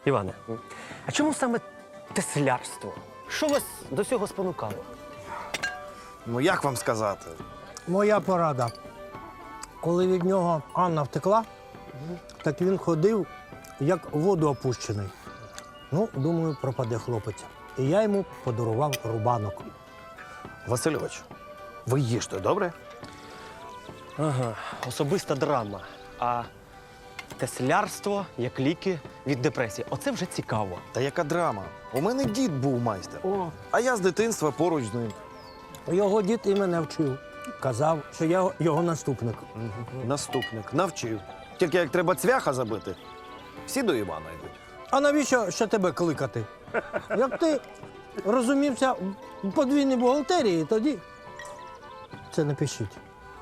Іване, а чому саме теслярство? Що вас до цього спонукало? Ну, як вам сказати? Моя порада. Коли від нього Анна втекла, так він ходив, як в воду опущений. Ну, думаю, пропаде хлопець. І я йому подарував рубанок. Васильович, ви їжте, добре? Ага, особиста драма. А теслярство як ліки від депресії. Оце вже цікаво. Та яка драма? У мене дід був майстер. О, А я з дитинства поруч з ним. Його дід і мене вчив. Казав, що я його наступник. Наступник. Навчив. Тільки як треба цвяха забити, всі до Івана йдуть. А навіщо ще тебе кликати? Як ти розумівся в подвійній бухгалтерії, тоді це не пишіть.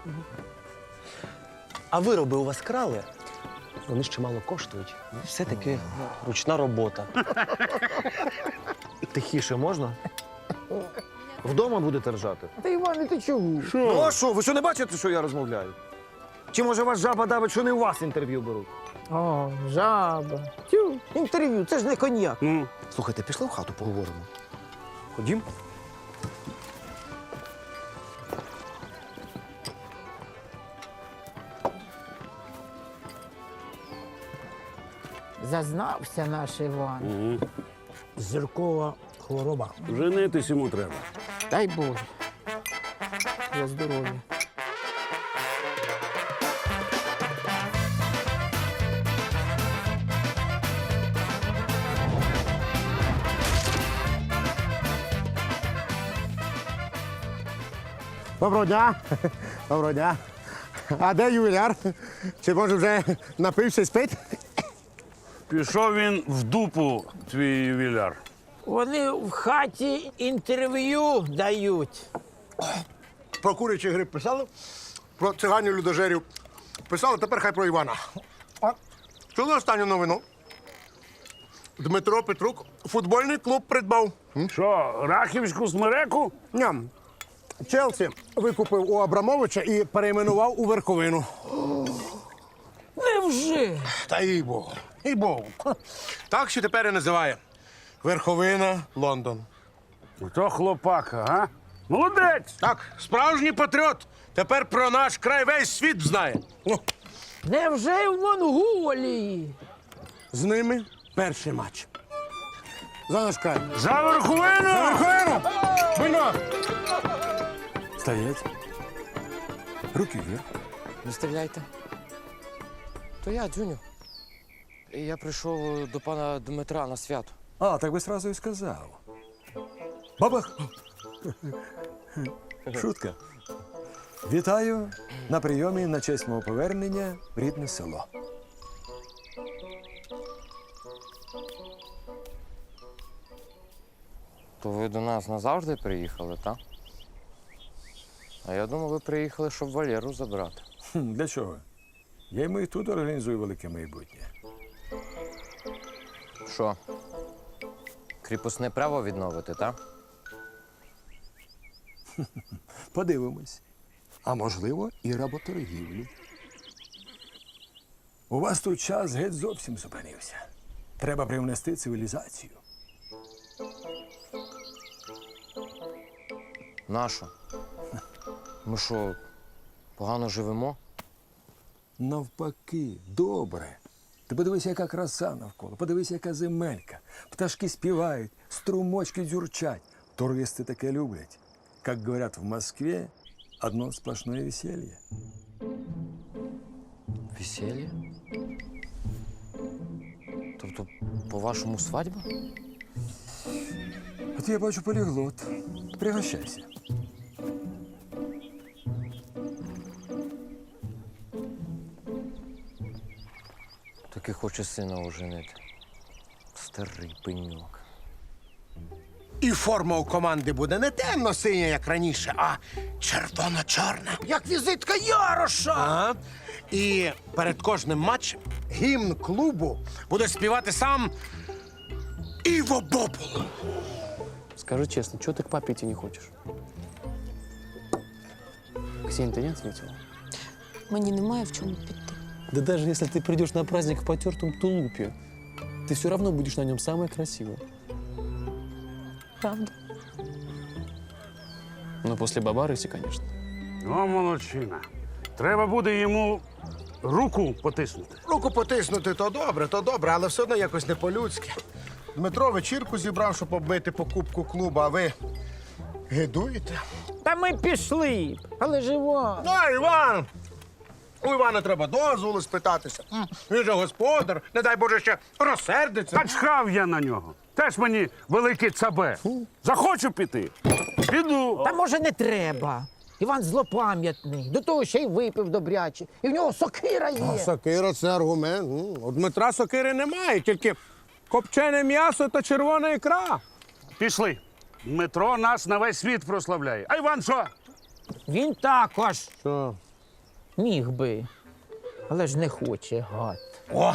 а вироби у вас крали? Вони ж чимало коштують. Все-таки ручна робота. Тихіше можна? Вдома будете ржати? Та Іване, ти чого? Ну а що, ви що не бачите, що я розмовляю? Чи може вас жаба давить, що не у вас інтерв'ю беруть? О, жаба. Тю, інтерв'ю, це ж не коньяк. Слухайте, пішли в хату, поговоримо. Ходім. Зазнався наш Іван. Зіркова хвороба. Женитись йому треба. Дай Боже. За здоров'я. Доброго дня. Доброго дня. А де ювіляр? Чи може вже напився і спить? Пішов він в дупу, твій ювіляр. Вони в хаті інтерв'ю дають. Про курячий гриб писали, про циганів людожерів писали, тепер хай про Івана. А чули останню новину? Дмитро Петрук футбольний клуб придбав. Що, Рахівську смереку? Ням. Челсі викупив у Абрамовича і перейменував у Верховину. Невже? Та їй Богу, їй Богу. Так що тепер і називає Верховина, Лондон. То хлопака, а? Молодець! Так, справжній патріот. Тепер про наш край весь світ знає. Ну, Невже в Монголії? з ними перший матч. За наш край. За Верховину! Верховину! Вино! Стоять. Руки вверх. Не стріляйте. То я, Дзюню. Я прийшов до пана Дмитра на свято. А, так би сразу і сказав. Бабах! Шутка. Вітаю на прийомі на честь мого повернення в рідне село. То ви до нас назавжди приїхали, так? А я думав, ви приїхали, щоб Валеру забрати. Для чого? Я йому і тут організую велике майбутнє. Що? Кріпосне право відновити, так? Подивимось. А можливо, і работоргівлю. У вас тут час геть зовсім зупинився. Треба привнести цивілізацію. Нащо? Ми що, погано живемо? Навпаки, добре. Ти подивися, яка краса навколо, подивися, яка земелька. Пташки співають, струмочки дзюрчать. Туристи таке люблять. Как говорят в Москве, одно сплошное веселье. Весілля? Тобто, по-вашому, свадьба? От я бачу поліглот. Пригощайся. Таки хоче сина оженити. Старий пеньок. І форма у команди буде не темно-синя, як раніше, а червоно-чорна. Як візитка Яроша. Ага. І перед кожним матчем гімн клубу буде співати сам Іво Бобул. Скажи честно, чего ты к папе идти не хочешь? Ксения, ты не ответила? Мені немає в чому піти. Да даже если ты придешь на праздник в потертом тулупе, ты все равно будешь на нем самая красивая. Правда? Ну, после Бабарыси, конечно. О, молодчина. Треба буде йому руку потиснути. Руку потиснути то добре, але все одно якось не по-людськи. Дмитро вечірку зібрав, щоб оббити покупку клубу, а ви гидуєте? Та ми пішли, але живо. Ну, Іван! У Івана треба дозволу спитатися. Він же господар, не дай Боже, ще розсердиться. Та чхав я на нього. Теж мені велике цабе. Захочу піти. Піду. Та може не треба. Іван злопам'ятний, до того ще й випив добряче. І в нього сокира є. Сокира – це аргумент. У Дмитра сокири немає, тільки копчене м'ясо та червона ікра. Пішли. Дмитро нас на весь світ прославляє. А Іван що? Він також Що? міг би, але ж не хоче, гад. О!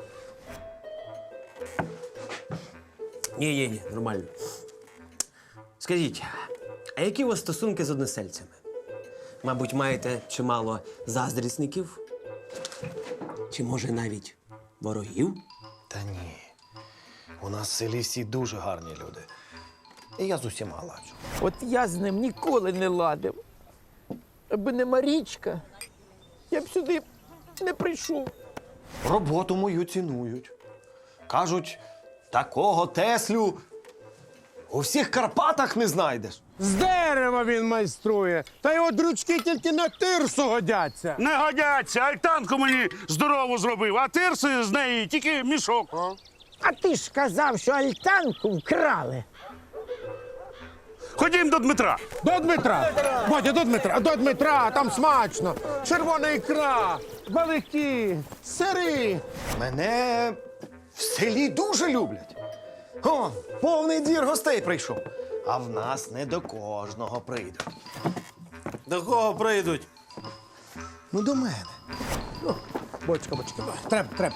Ні, нормально. Скажіть, а які у вас стосунки з односельцями? Мабуть, маєте чимало заздрісників? Чи може навіть ворогів? Та ні. У нас в селі всі дуже гарні люди. І я з усіма ладжу. От я з ним ніколи не ладив. Аби не Марічка, я б сюди не прийшов. Роботу мою цінують. Кажуть, такого Теслю у всіх Карпатах не знайдеш. З дерева він майструє, та його дручки тільки на тирсу годяться. Не годяться. Альтанку мені здорову зробив, а тирси з неї тільки мішок. А ти ж казав, що альтанку вкрали. Ходім до Дмитра. До Дмитра! Бодя, до Дмитра, там смачно. Червона ікра, балики, сири. Мене в селі дуже люблять. О, повний двір гостей прийшов. А в нас не до кожного прийдуть. До кого прийдуть? Ну, до мене. Бочка. Треба.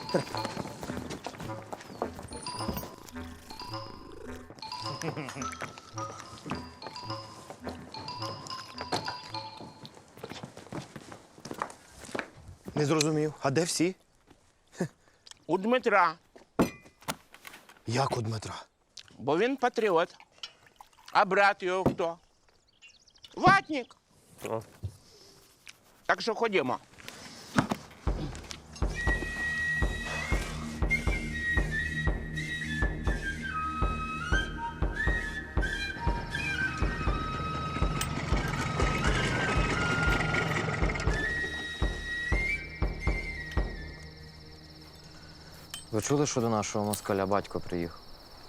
Не зрозумів. А де всі? У Дмитра, Як у Дмитра? бо він патріот. А брат його хто? Ватник. Так що ходімо. Ви чули, що до нашого москаля батько приїхав?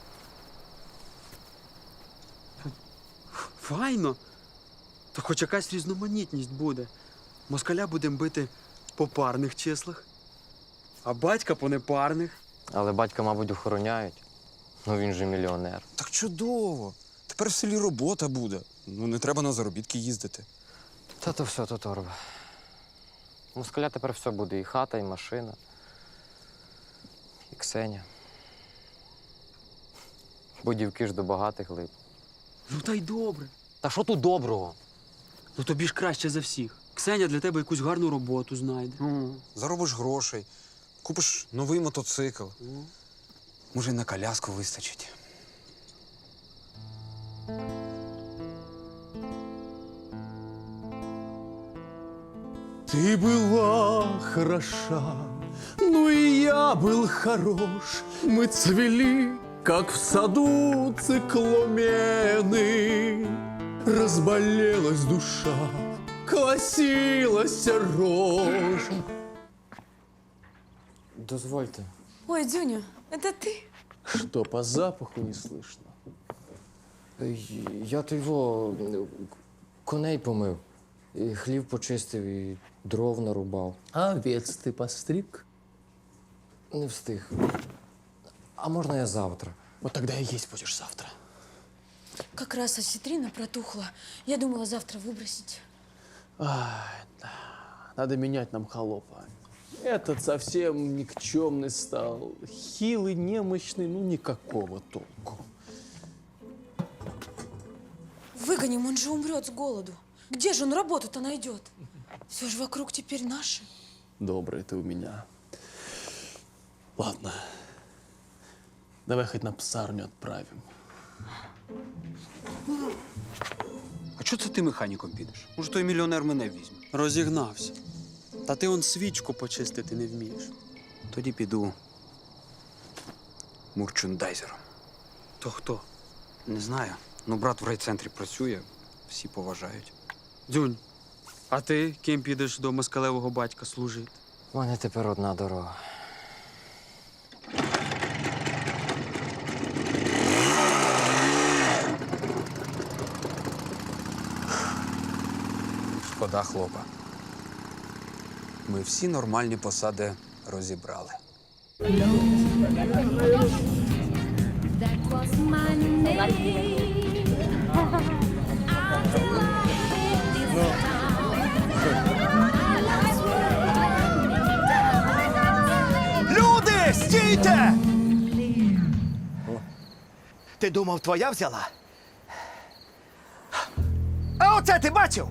Файно. То хоч якась різноманітність буде. Москаля будемо бити по парних числах, а батька по непарних. Але батька, мабуть, охороняють. Ну він же мільйонер. Так чудово. Тепер в селі робота буде. Ну, не треба на заробітки їздити. Та то все, то торба. У москаля тепер все буде. І хата, і машина. І Ксеня. Бо дівки ж до багатих лип. Ну та й добре. Та що тут доброго? Ну тобі ж краще за всіх. Ксеня для тебе якусь гарну роботу знайде. Заробиш грошей, купиш новий мотоцикл. Може, й на коляску вистачить. Ты была хороша, ну и я был хорош. Мы цвели, как в саду цикламены. Разболелась душа, колосилась рожь. Дозвольте. Ой, Дзюня, это ты? Что, по запаху не слышно? Я то його коней помив, і хлів почистив, і дров нарубав. А овец ты постриг? Не встиг. А можна я завтра? Вот тогда и есть будешь завтра. Как раз осетрина протухла. Я думала завтра выбросить. Ай, да. Надо менять нам холопа. Этот совсем никчемный стал. Хилый, немощный, ну никакого толку. Выгоним, он же умрет с голоду. Где же он работу-то найдет? Все же вокруг теперь наши. Добрый ты у меня. Ладно, Давай хоть на псарню отправим. А чого це ти механіком підеш? Може, той мільйонер мене візьме? Розігнався. Та ти он свічку почистити не вмієш. Тоді піду мурчендайзером. То хто? Не знаю. Ну, брат в райцентрі працює, всі поважають. Дзюнь, а ти ким підеш до москалевого батька служити? У мене тепер одна дорога. Шкода, хлопа. Ми всі нормальні посади розібрали. Люди, стійте! Ти думав, твоя взяла? А оце ти бачив?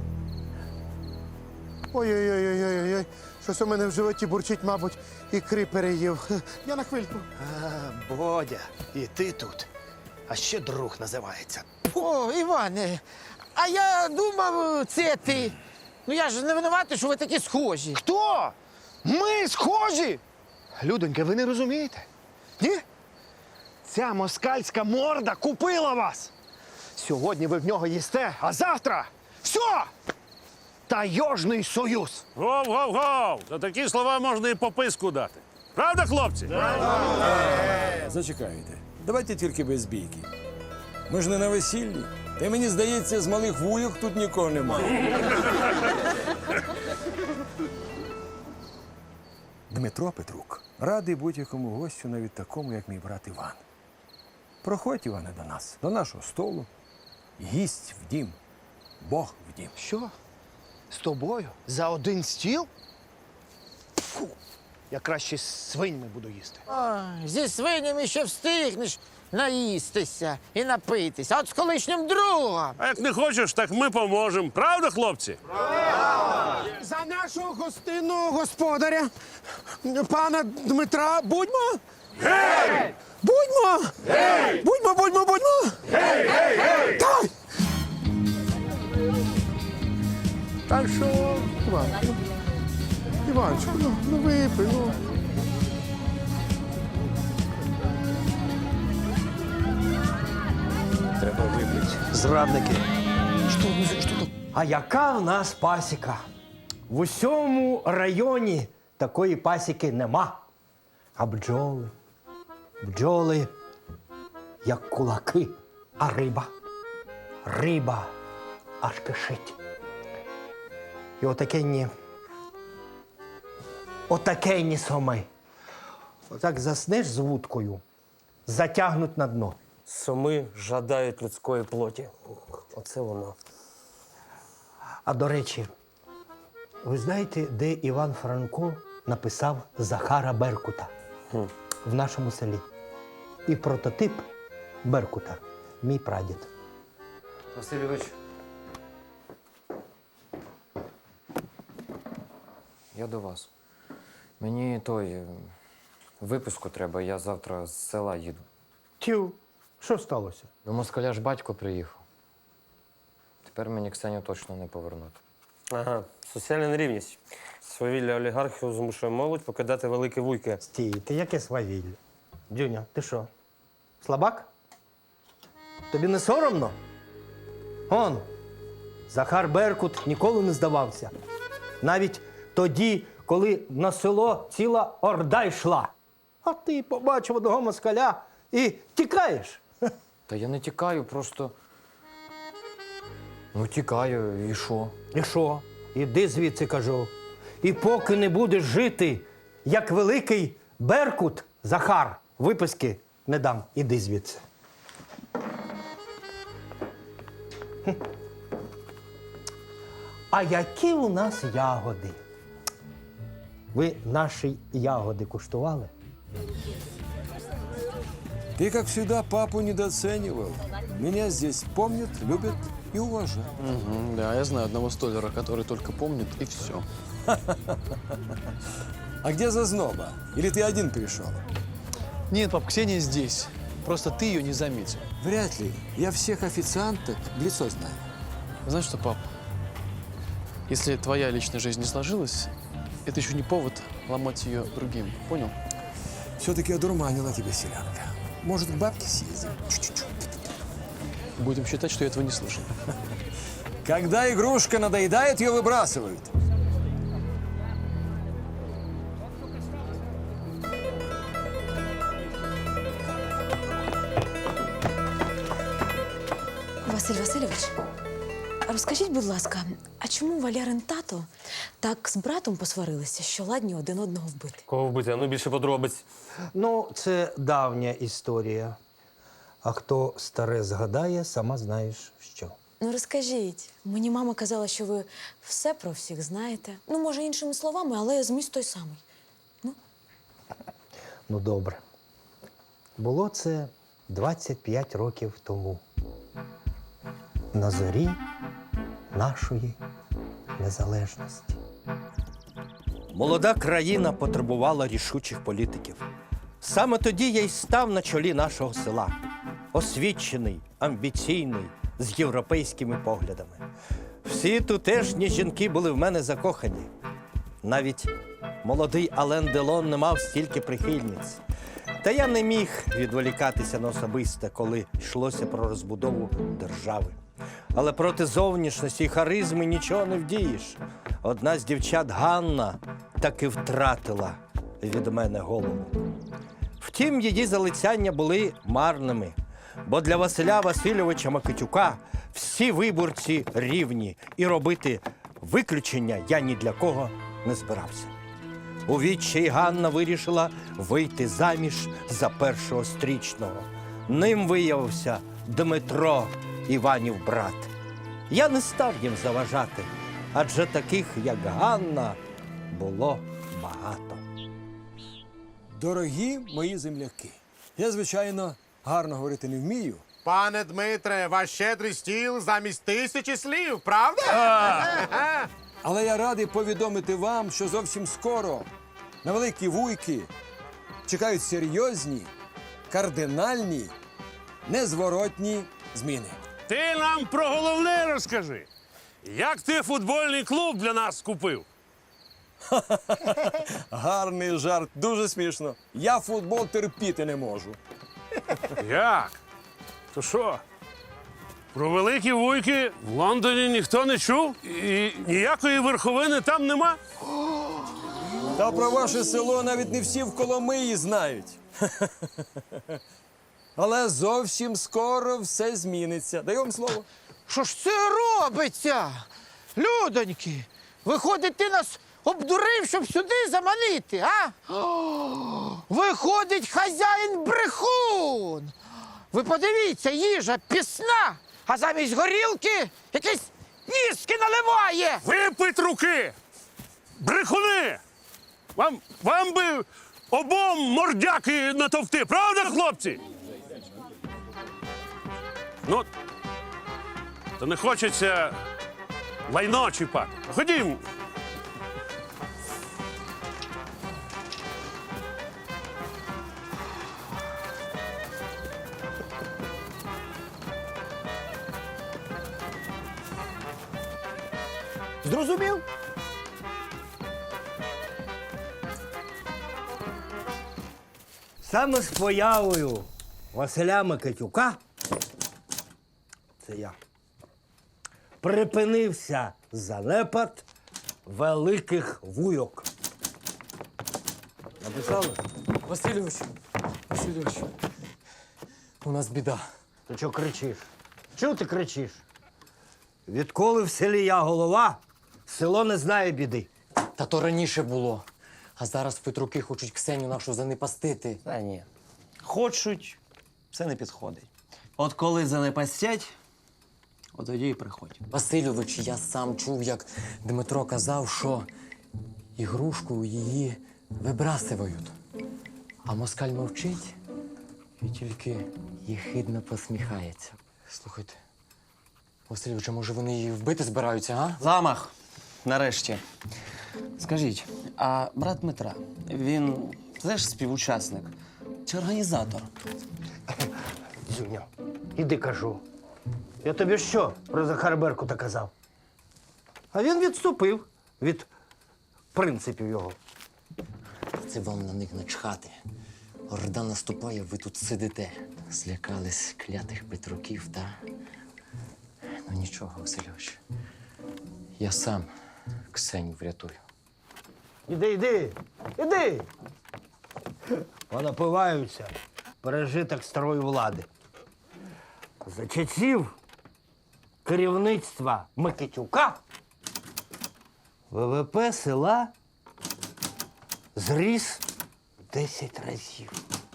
Ой-ой-ой-ой-ой. Щось у мене в животі бурчить, мабуть, ікри переїв. Я на хвильку. А, Бодя, і ти тут. А ще друг називається. О, Іване, а я думав, це ти. Ну я ж не винуватий, що ви такі схожі. Хто? Ми схожі? Людонька, ви не розумієте? Ні? Ця москальська морда купила вас. Сьогодні ви в нього їсте, а завтра все! Тайожний союз. Гов-гов-гов! За такі слова можна і по писку дати. Правда, хлопці? Зачекайте. Давайте тільки без бійки. Ми ж не на весіллі. Та мені здається, з малих вуйок тут нікого немає. Дмитро Петрук радий будь-якому гостю, навіть такому, як мій брат Іван. Проходь, Іване, до нас, до нашого столу. Гість в дім, Бог в дім. Що? З тобою? За один стіл? Фу. Я краще з свиньми буду їсти. Ой, зі свинями ще встигнеш наїстися і напитися. А от з колишнім другом. А як не хочеш, так ми поможемо. Правда, хлопці? За нашого гостинного господаря, пана Дмитра, будьмо? Гей! Будьмо! Гей! Будьмо, будьмо, будьмо! Гей, гей, гей! Так! Так що, Іванчику, ну випий, ну. Треба випити. Зрадники. А яка в нас пасіка? В усьому районі такої пасіки нема. А бджоли, як кулаки, а риба аж кишить. І отакенні соми. Отак заснеш з вудкою, затягнуть на дно. Соми жадають людської плоті. Оце воно. А до речі, ви знаєте, де Іван Франко написав Захара Беркута? В нашому селі. І прототип Беркута – мій прадід. Васильович. Я до вас. Мені виписку треба, я завтра з села їду. Тю, що сталося? До москаля ж батько приїхав. Тепер мені Ксеню точно не повернути. Ага, соціальна нерівність. Свавілля олігархів змушує молодь покидати великі вуйки. Стійте, яке свавілля? Дюня, ти що, слабак? Тобі не соромно? Он, Захар Беркут ніколи не здавався. Навіть тоді, коли на село ціла орда йшла. А ти побачив одного москаля і тікаєш. Та я не тікаю, просто. Ну, тікаю, і що? І що? Іди звідси, кажу. І поки не будеш жити, як великий Беркут, Захар, виписки не дам. Іди звідси. А які у нас ягоди? Ви наші ягоди куштували? Ты, как всегда, папу недооценивал. Меня здесь помнят, любят и уважают. Да, я знаю одного столяра, который только помнит, и все. А где Зазноба? Или ты один пришел? Нет, пап, Ксения здесь. Просто ты ее не заметил. Вряд ли. Я всех официанток в лицо знаю. Знаешь что, пап? Если твоя личная жизнь не сложилась, это еще не повод ломать ее другим. Понял? Все-таки одурманила тебя селянка. Может, к бабке съездим? Чуть-чуть. Будем считать, что я этого не слышал. Когда игрушка надоедает, ее выбрасывают. Василь Васильович, розкажіть, будь ласка, а чому Валярин тато так з братом посварилися, що ладні один одного вбити? Кого вбити? Ну, більше подробиць. Ну, це давня історія. А хто старе згадає, сама знаєш що. Ну, розкажіть. Мені мама казала, що ви все про всіх знаєте. Ну, може, іншими словами, але зміст той самий. Ну, добре. Було це 25 років тому. На зорі нашої незалежності. Молода країна потребувала рішучих політиків. Саме тоді я й став на чолі нашого села. Освічений, амбіційний, з європейськими поглядами. Всі тутешні жінки були в мене закохані. Навіть молодий Ален Делон не мав стільки прихильниць. Та я не міг відволікатися на особисте, коли йшлося про розбудову держави. Але проти зовнішності і харизми нічого не вдієш. Одна з дівчат, Ганна, таки втратила від мене голову. Втім, її залицяння були марними, бо для Василя Васильовича Микитюка всі виборці рівні, і робити виключення я ні для кого не збирався. У відчаї Ганна вирішила вийти заміж за першого стрічного. Ним виявився Дмитро, Іванів брат. Я не став їм заважати, адже таких, як Ганна, було багато. Дорогі мої земляки, я, звичайно, гарно говорити не вмію. Пане Дмитре, ваш щедрий стіл замість 1000 слів, правда? Але я радий повідомити вам, що зовсім скоро на Великі Вуйки чекають серйозні, кардинальні, незворотні зміни. Ти нам про головне розкажи. Як ти футбольний клуб для нас купив? Гарний жарт, дуже смішно. Я футбол терпіти не можу. Як? То що? Про Великі Вуйки в Лондоні ніхто не чув? І ніякої верховини там нема? Та про ваше село навіть не всі в Коломиї знають. Але зовсім скоро все зміниться. Даю вам слово. Що ж це робиться? Людоньки, виходить, ти нас обдурив, щоб сюди заманити, а? Виходить, хазяїн брехун. Ви подивіться, їжа пісна, а замість горілки якісь віскі наливає. Випить руки! Брехуни! Вам би обом мордяки натовти, правда, хлопці? Ну, то не хочеться лайно чіпати. Ходімо. Зрозумів? Саме з появою Василя Микитюка, це я, припинився занепад Великих Вуйок. Написали? Васильович, у нас біда. Ти чого кричиш? Чого ти кричиш? Відколи в селі я голова, село не знає біди. Та то раніше було. А зараз Петруки хочуть Ксеню нашу занепастити. Та ні. Хочуть, це не підходить. От коли занепастять, от тоді і приходь. Васильович, я сам чув, як Дмитро казав, що ігрушку її вибрасують. А москаль мовчить і тільки єхидно посміхається. Слухайте, Васильович, а може вони її вбити збираються, а? Замах. Нарешті. Скажіть, а брат Дмитра, він теж співучасник чи організатор? Дзюня, іди кажу. Я тобі що про Захара Беркута казав? А він відступив від принципів його. Це вам на них начхати. Орда наступає, ви тут сидите. Злякались клятих Петруків, та? Ну нічого, Васильович. Я сам Ксеню врятую. Іди. Понапиваються пережиток старої влади. За часів керівництва Микитюка ВВП села зріс 10 разів.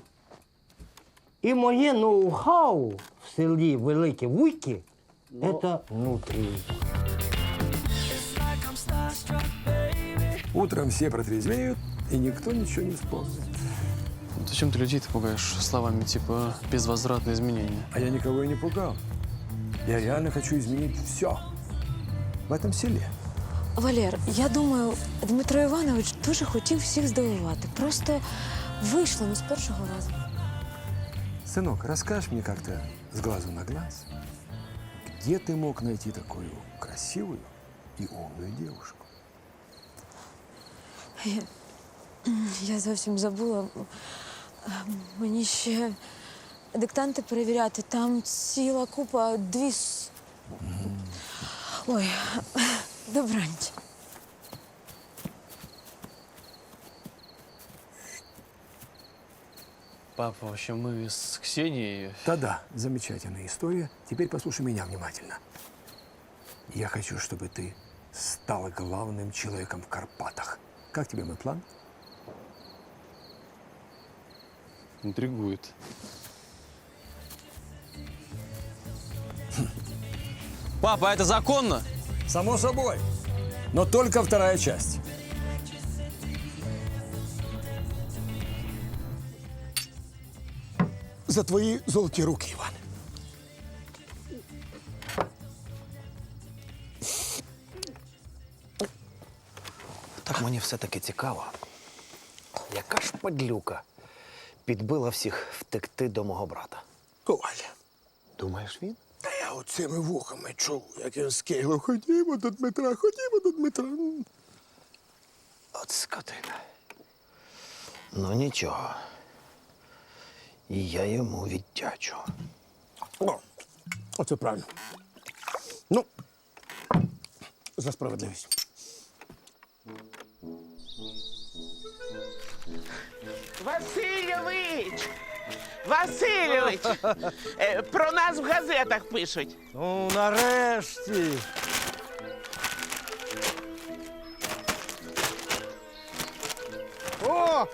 І моє ноу-хау в селі Великі Вуйки – це внутрі. Утром все протрезвеют, и никто ничего не вспомнит. Зачем ты людей-то пугаешь словами типа безвозвратные изменения? А я никого и не пугал. Я реально хочу изменить все в этом селе. Валер, я думаю, Дмитро Іванович дуже хотів всіх здивувати. Просто вийшло не з першого разу. Сынок, расскажешь мне как-то с глазу на глаз, где ты мог найти такую красивую и умную девушку? Я зовсім забула. Мені ще диктанти перевіряти. Там ціла купа, Ой, добраніч. Папа, в общем, мы с Ксенией... Да-да, замечательная история. Теперь послушай меня внимательно. Я хочу, чтобы ты стала главным человеком в Карпатах. Как тебе мой план? Интригует. Папа, а это законно? Само собой. Но только вторая часть. За твої золоті руки, Іван. Так мені все-таки цікаво. Яка ж падлюка підбила всіх втекти до мого брата? Коля, Думаєш, він? та я оцими вухами чув, як він скиглив. Ходімо до Дмитра, ходімо до Дмитра. От скотина. Ну нічого. І я йому віддячу. О, оце правильно. Ну, за справедливість. Васильович! Васильович! Про нас в газетах пишуть. Ну, нарешті. О!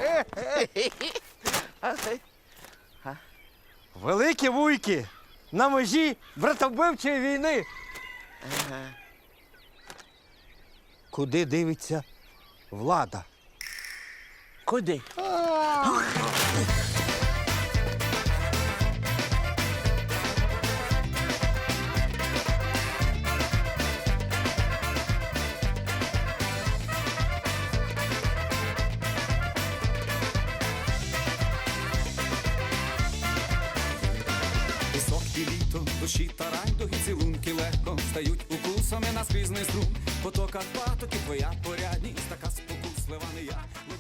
Великі Вуйки на межі братовбивчої війни. Куди дивиться влада? Куди? Пісок і літо, душі та райдуги, цілунки легко стають укусами на скрізний струм. Потока патоки, твоя порядність, така спокуслива не я.